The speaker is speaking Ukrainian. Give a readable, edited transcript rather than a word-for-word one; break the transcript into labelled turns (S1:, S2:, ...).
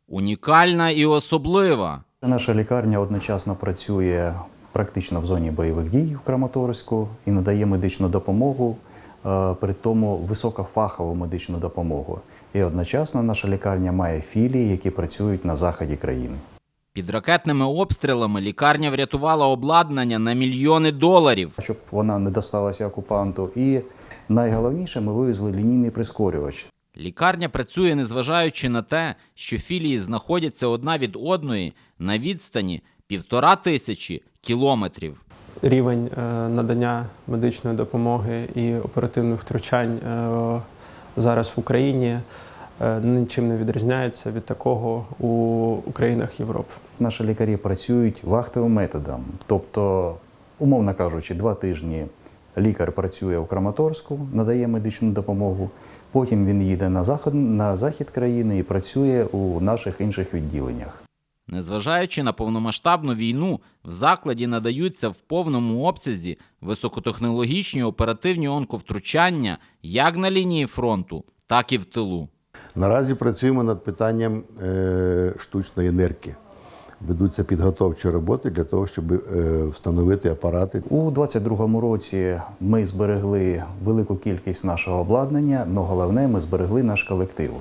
S1: унікальна і особлива.
S2: Наша лікарня одночасно працює практично в зоні бойових дій в Краматорську і надає медичну допомогу, при тому високофахову медичну допомогу. І одночасно наша лікарня має філії, які працюють на заході країни.
S1: Під ракетними обстрілами лікарня врятувала обладнання на мільйони доларів.
S2: Щоб вона не досталася окупанту. І найголовніше, ми вивезли лінійний прискорювач.
S1: Лікарня працює, незважаючи на те, що філії знаходяться одна від одної на відстані 1500 кілометрів.
S3: Рівень надання медичної допомоги і оперативних втручань зараз в Україні нічим не відрізняється від такого у країнах Європи.
S2: Наші лікарі працюють вахтовим методом. Тобто, умовно кажучи, 2 тижні лікар працює у Краматорську, надає медичну допомогу, потім він їде на захід країни і працює у наших інших відділеннях.
S1: Незважаючи на повномасштабну війну, в закладі надаються в повному обсязі високотехнологічні оперативні онковтручання як на лінії фронту, так і в тилу.
S4: Наразі працюємо над питанням штучної нирки. Ведуться підготовчі роботи для того, щоб встановити апарати.
S2: У 2022 році ми зберегли велику кількість нашого обладнання, але головне, ми зберегли наш колектив.